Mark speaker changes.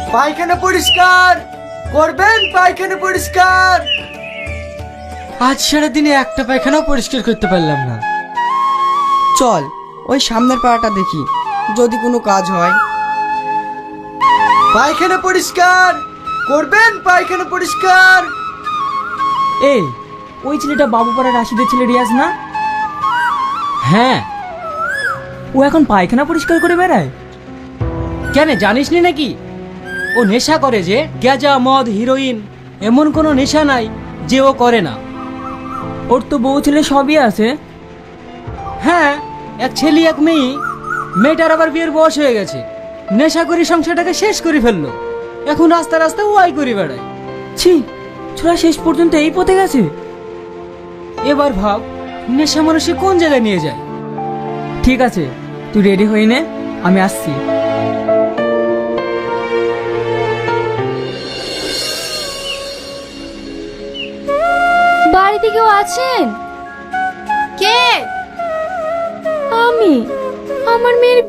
Speaker 1: পায়খানা পরিষ্কার করবেন, পায়খানা পরিষ্কার। আজ সারাদিনে একটা পায়খানাও পরিষ্কার করতে পারলাম না।
Speaker 2: চল ওই সামনের পাড়াটা দেখি, যদি কোনো কাজ হয়।
Speaker 1: পায়খানা পরিষ্কার করবেন, পায়খানা পরিষ্কার।
Speaker 3: এই ওই ছেলেটা বাবুপাড়া রাশিদের ছেলে রিয়াজ না?
Speaker 4: হ্যাঁ।
Speaker 3: ও এখন পায়খানা পরিষ্কার করে বেড়ায়?
Speaker 4: কেন জানিস নি নাকি? ও নেশা করে, যে গ্যাজা মদ হিরোইন এমন কোনো নেশা নাই যে ও করে না।
Speaker 3: ওর তো বউ ছেলে সবই আছে।
Speaker 4: হ্যাঁ, এক ছেলে এক মেয়ে। মেয়েটার আবার বিয়ের বয়স হয়ে গেছে। নেশা করে সংসারটাকে শেষ করে ফেললো। এখন রাস্তা রাস্তা ওয়াই করে বেড়ায়।
Speaker 3: ছি, ছোড়া শেষ পর্যন্ত এই পথে গেছে।
Speaker 4: এবার ভাব নেশা মানুষকে কোন জায়গায় নিয়ে যায়।
Speaker 3: ঠিক আছে, তুই রেডি হয়ে নে, আমি আসছি।
Speaker 5: বাড়িতে কেউ আছেন?
Speaker 6: কে?
Speaker 5: আমি। আমার মেয়ের